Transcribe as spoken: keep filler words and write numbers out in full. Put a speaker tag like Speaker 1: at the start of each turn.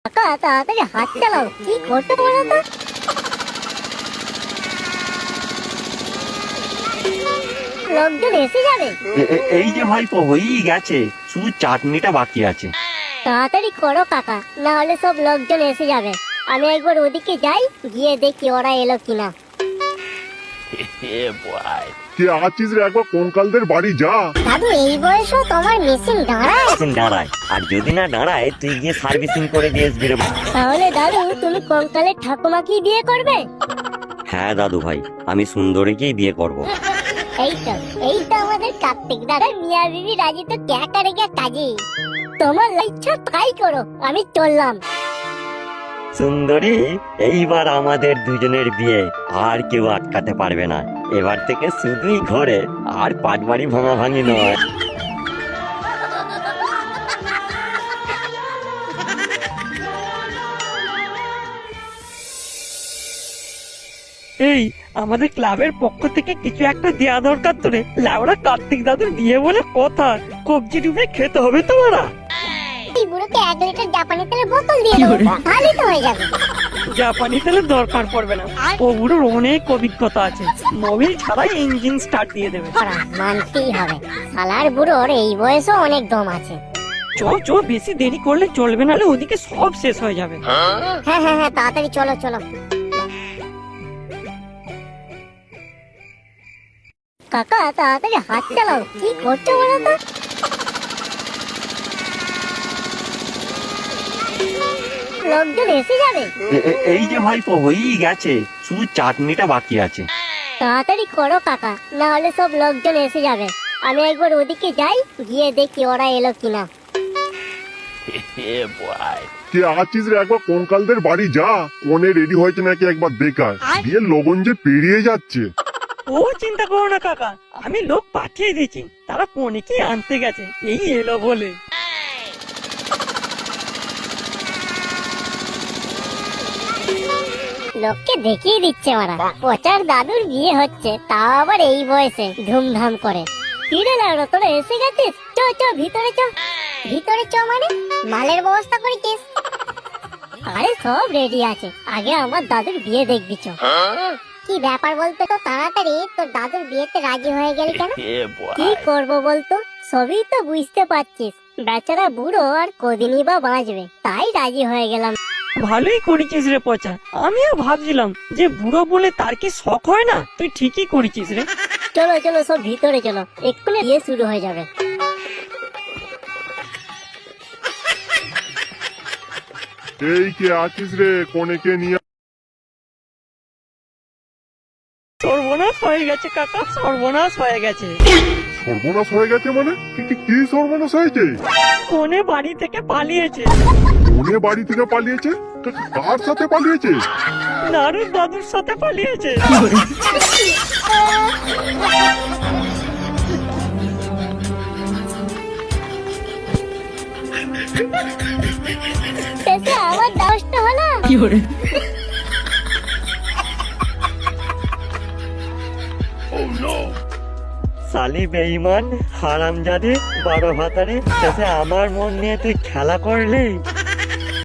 Speaker 1: কাকা তাড়াতাড়ি হাত চালাও, কি করতে বলো তো? লোকজন এসে যাবে।
Speaker 2: এ- এ- এই যে ভাইপো হয়েই গেছে, শুধু চাটনিটা বাকি আছে।
Speaker 1: তাড়াতাড়ি করো কাকা, না হলে সব লোকজন এসে যাবে। আমি একবার ওদিকে যাই, গিয়ে দেখি ওরা এলো কিনা।
Speaker 3: কে আছিস রে, একবার কঙ্কালদের বাড়ি যা।
Speaker 1: দাদু এই বয়সেও তোমার মেশিন দাঁড়ায়?
Speaker 2: মেশিন দাঁড়ায়, আর যদি না দাঁড়ায় তুই গিয়ে সার্ভিসিং করে দিয়ে আসবি রে।
Speaker 1: তাহলে দাদু তুমি কঙ্কালের ঠাকুমাকেই বিয়ে করবে?
Speaker 2: হ্যাঁ দাদু ভাই, আমি সুন্দরীকেই বিয়ে করব।
Speaker 1: এই তো এই তো আমাদের কার্তিক দাদা মিয়া বিবি রাজি তো ক্যাকা রেখে কাজে। তোমার ইচ্ছা তাই করো, আমি চললাম।
Speaker 2: সুন্দরী, এইবার আমাদের দুজনের বিয়ে আর কেউ আটকাতে পারবে না। এবার থেকে শুধুই ঘরে, আর পাটবাড়ি ভাঙা ভাঙি নয়।
Speaker 4: এই আমাদের ক্লাবের পক্ষ থেকে কিছু একটা দেয়া দরকার তোরে। লাউড়া কার্তিক দাদুর বিয়ে বলে কথা, কবজি ডুবে খেতে হবে তোমারা।
Speaker 1: এই বুড়োকে এক লিটার জাপানি তেলের বোতল দিয়ে দেবো, তাহলেই তো হয়ে যাবে।
Speaker 4: জাপানি তেলের দরকার পড়বে না, ও বুড়োর অনেক অভিজ্ঞতা আছে, মোবিল ছাড়াই ইঞ্জিন স্টার্ট দিয়ে দেবে।
Speaker 1: ওরা মানতেই হবে, শালার বুড়োর এই বয়সেও অনেক দম আছে।
Speaker 4: চো চো, বেশি দেরি করলে চলবে, নাহলে ওদিকে সব শেষ হয়ে যাবে।
Speaker 1: হ্যাঁ হ্যাঁ হ্যাঁ, তাড়াতাড়ি চলো চলো। কাকা তাড়াতাড়ি হাত চালাও, কি করছো বলো তো? লোকজন এসে যাবে।
Speaker 2: এ- এ- এই যে ভাইপো হয়েই গেছে, শুধু চাটনিটা বাকি আছে।
Speaker 1: তাড়াতাড়ি করো কাকা, না হলে সব লোকজন এসে যাবে। আমি একবার ওদিকে যাই, গিয়ে দেখি ওরা এলো কিনা।
Speaker 3: কে আছিস রে, একবার কঙ্কালদের বাড়ি যা। কোনে রেডি হয়েছে নাকি একবার দেখায়। বিয়ের লগন যে পেরিয়ে যাচ্ছে।
Speaker 4: ও চিন্তা করো না কাকা, আমি লোক পাঠিয়ে দিয়েছি, তারা পনিকে আনতে গেছে, এই এলো বলে।
Speaker 1: লোককে দেখিয়ে দিচ্ছে ওরা, পচার দাদুর বিয়ে হচ্ছে, তাও আবার এই বয়সে ধুমধাম করে। ফিরে লাগলো, তোরা এসে গেছিস? চ চ ভিতরে চ। ভিতরে চ মানে মালের ব্যবস্থা করেছিস? আরে সব রেডি আছে, আগে আমার দাদুর বিয়ে দেখবি চ। কি ব্যাপার বলতো তো, তাড়াতাড়ি তোর দাদুর বিয়েতে রাজি হয়ে গেলি কেন? কি করব বলতো, সবই তো বুঝতে পারছিস, বেচারা বুড়ো আর কদিনই বা বাঁচবে, তাই রাজি হয়ে গেলাম।
Speaker 4: ভালোই করেছিস রে পচা, আমিও ভাবছিলাম যে বুড়ো বলে তার কি শখ হয় না, তুই ঠিকই করেছিস রে।
Speaker 1: চলো চলো সব ভিতরে চলো, এক্ষুনি বিয়ে শুরু হয়ে যাবে।
Speaker 3: এই কে আছিস রে, কোনেকে নিয়ে।
Speaker 4: সর্বনাশ হয়ে গেছে কাকা, সর্বনাশ হয়ে গেছে।
Speaker 3: সর্বনাশ হয়ে গেছে মানে? কি- কি- কি সর্বনাশ হয়েছে?
Speaker 4: কোনে বাড়ি থেকে পালিয়েছে,
Speaker 3: কোনে বাড়ি থেকে পালিয়েছে? কা- কার সাথে পালিয়েছে?
Speaker 4: নারুর দাদুর সাথে পালিয়েছে।
Speaker 1: শেষে আমার দশটা হলো।
Speaker 2: সালি বেঈমান, হারামজাদে, বড় ভাতারে, শেষে আমার মন নিয়ে তুই খেলা করলি।